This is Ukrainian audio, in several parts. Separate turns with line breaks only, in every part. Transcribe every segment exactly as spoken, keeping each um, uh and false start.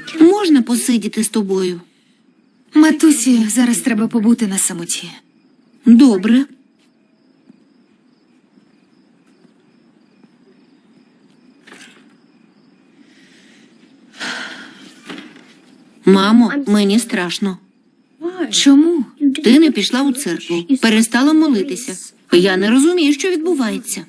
Можна посидіти з тобою?
Матусі, зараз треба побути на самоті.
Добре. Мамо, мені страшно.
Чому?
Ти не пішла у церкву, перестала молитися. Я не розумію, що відбувається.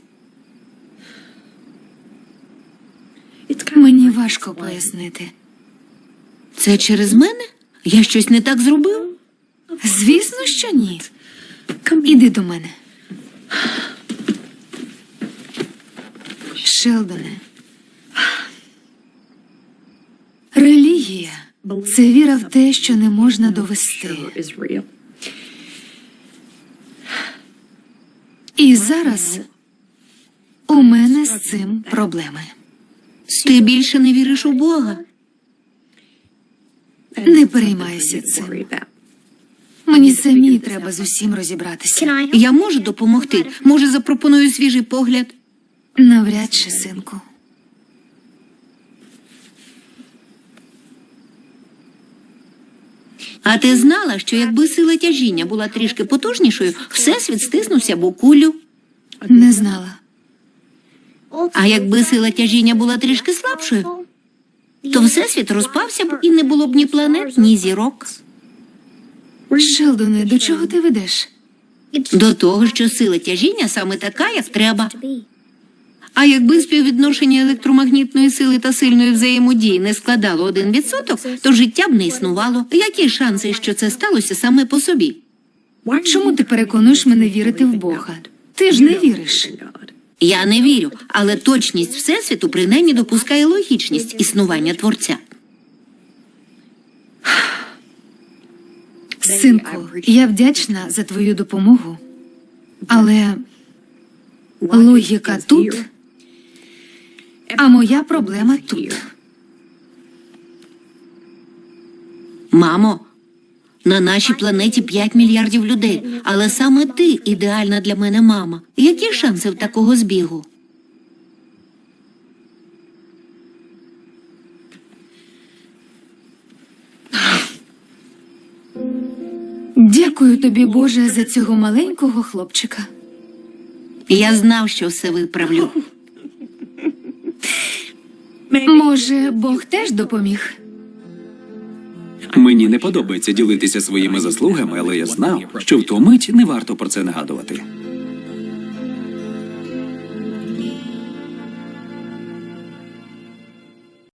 Мені важко пояснити.
Це через мене? Я щось не так зробив?
Звісно, що ні. Іди до мене. Шелдоне. Релігія – це віра в те, що не можна довести. І зараз у мене з цим проблеми.
Ти більше не віриш у Бога?
Не переймайся цим. Мені самі треба з усім розібратися.
Я можу допомогти? Може, запропоную свіжий погляд?
Навряд чи, синку.
А ти знала, що якби сила тяжіння була трішки потужнішою, Всесвіт стиснувся б у кулю?
Не знала.
А якби сила тяжіння була трішки слабшою, то Всесвіт розпався б і не було б ні планет, ні зірок.
Шелдоне, до чого ти ведеш?
До того, що сила тяжіння саме така, як треба. А якби співвідношення електромагнітної сили та сильної взаємодії не складало один відсоток, то життя б не існувало. Які шанси, що це сталося саме по собі?
Чому ти переконуєш мене вірити в Бога? Ти ж не віриш.
Я не вірю, але точність Всесвіту принаймні допускає логічність існування Творця.
Синку, я вдячна за твою допомогу, але логіка тут, а моя проблема тут.
Мамо, на нашій планеті п'ять мільярдів людей, але саме ти ідеальна для мене мама. Які шанси в такого збігу?
Дякую тобі, Боже, за цього маленького хлопчика.
Я знав, що все виправлю.
Може, Бог теж допоміг?
Мені не подобається ділитися своїми заслугами, але я знав, що в ту мить не варто про це нагадувати.